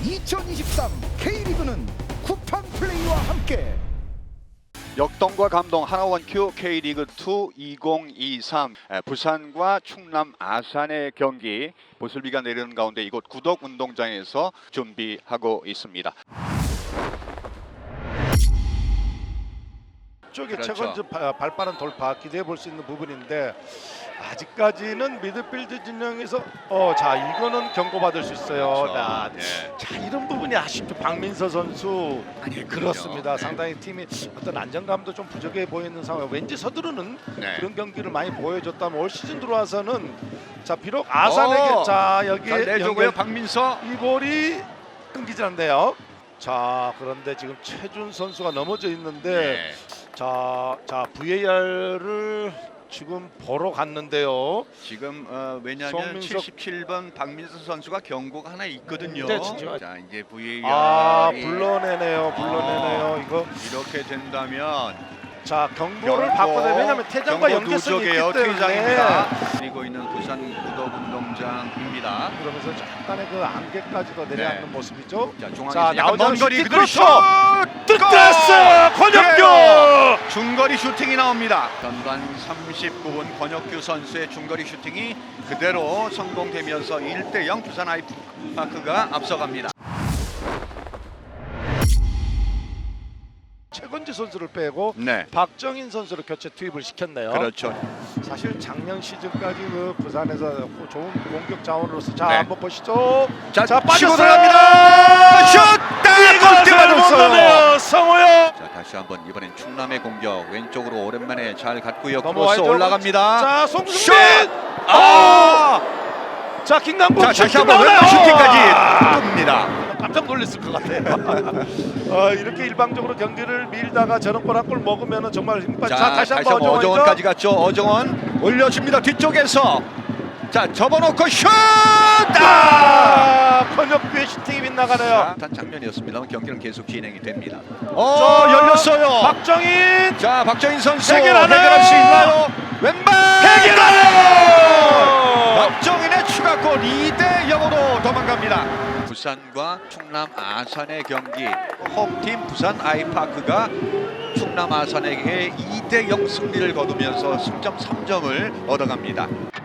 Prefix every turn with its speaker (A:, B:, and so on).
A: 2023 K리그는 쿠팡 플레이와 함께
B: 역동과 감동 하나원큐 K리그2 2023 부산과 충남 아산의 경기 보슬비가 내리는 가운데 이곳 구덕운동장에서 준비하고 있습니다.
C: 쪽에
B: 그렇죠.
C: 최건주 발빠른 돌파 기대해 볼 수 있는 부분인데 아직까지는 미드필드 진영에서 자 이거는 경고받을 수 있어요.
B: 그렇죠.
C: 자 이런 부분이 아쉽죠. 박민서 선수 그렇습니다.
B: 네.
C: 상당히 팀이 어떤 안정감도 좀 부족해 보이는 상황. 왠지 서두르는
B: 네.
C: 그런 경기를 많이 보여줬다면 올 시즌 들어와서는 자 비록 아산에게 자 여기에
B: 잘 내주고요. 박민서.
C: 이 볼이 끊기질 않네요. 자 그런데 지금 최준 선수가 넘어져 있는데 자 VAR을 지금 보러 갔는데요.
B: 지금 왜냐하면 77번 박민서 선수가 경고가 하나 있거든요.
C: 네, 진짜.
B: 자 이제 VAR이
C: 불러내네요. 이거
B: 이렇게 된다면
C: 자 경고를 바꿔야 왜냐면 퇴장과 연계성이 있기 때문에
B: 퇴장입니다. 그리고 있는 부산 구덕운동장입니다.
C: 그러면서 약간의 그 안개까지도 내려앉는 모습이죠.
B: 자
C: 자,
B: 중앙에서 약간 먼 거리
C: 슈팅,
B: 그대로
C: 그렇죠.
B: 슛!
C: 뜯었어 권혁규.
B: 그래요. 중거리 슈팅이 나옵니다. 전반 39분 권혁규 선수의 중거리 슈팅이 그대로 성공되면서 1대0 부산 아이파크가 앞서갑니다.
C: 최건지 선수를 빼고
B: 네.
C: 박정인 선수를 교체 투입을 시켰네요.
B: 그렇죠.
C: 사실 작년 시즌까지 그 부산에서 좋은 공격 자원으로서 자
B: 네.
C: 한번 보시죠.
B: 자,
C: 자
B: 치고
C: 빠졌어요.
B: 들어갑니다. 슛!
C: 이걸 못 넣네요. 성호요.
B: 자 다시 한번 이번엔 충남의 공격 왼쪽으로 오랜만에 잘 갔고요. 크로스
C: 넘어와야죠.
B: 올라갑니다.
C: 자
B: 슛!
C: 송승민. 자 김남국
B: 자 다시
C: 슈팅
B: 한번
C: 나오나요?
B: 왼쪽 슈팅까지 뜹니다.
C: 깜짝 놀랐을 것 같아요. 이렇게 일방적으로 경기를 밀다가 저런 골 한 골 먹으면 정말 힘 빠져. 자 다시 한번
B: 어정원까지 갔죠. 어정원 올려줍니다. 뒤쪽에서 자 접어놓고 슛!
C: 권혁규의 슈팅이 빗나가네요.
B: 단 장면이었습니다만 경기는 계속 진행이 됩니다.
C: 자,
B: 열렸어요.
C: 박정인
B: 자 박정인 선수
C: 해결하나요?
B: 해결할 수 있나요? 왼발
C: 해결하네요.
B: 박정인의 추가골 2대0으로 도망갑니다. 부산과 충남 아산의 경기 홈팀 부산 아이파크가 충남 아산에게 2대0 승리를 거두면서 승점 3점을 얻어갑니다.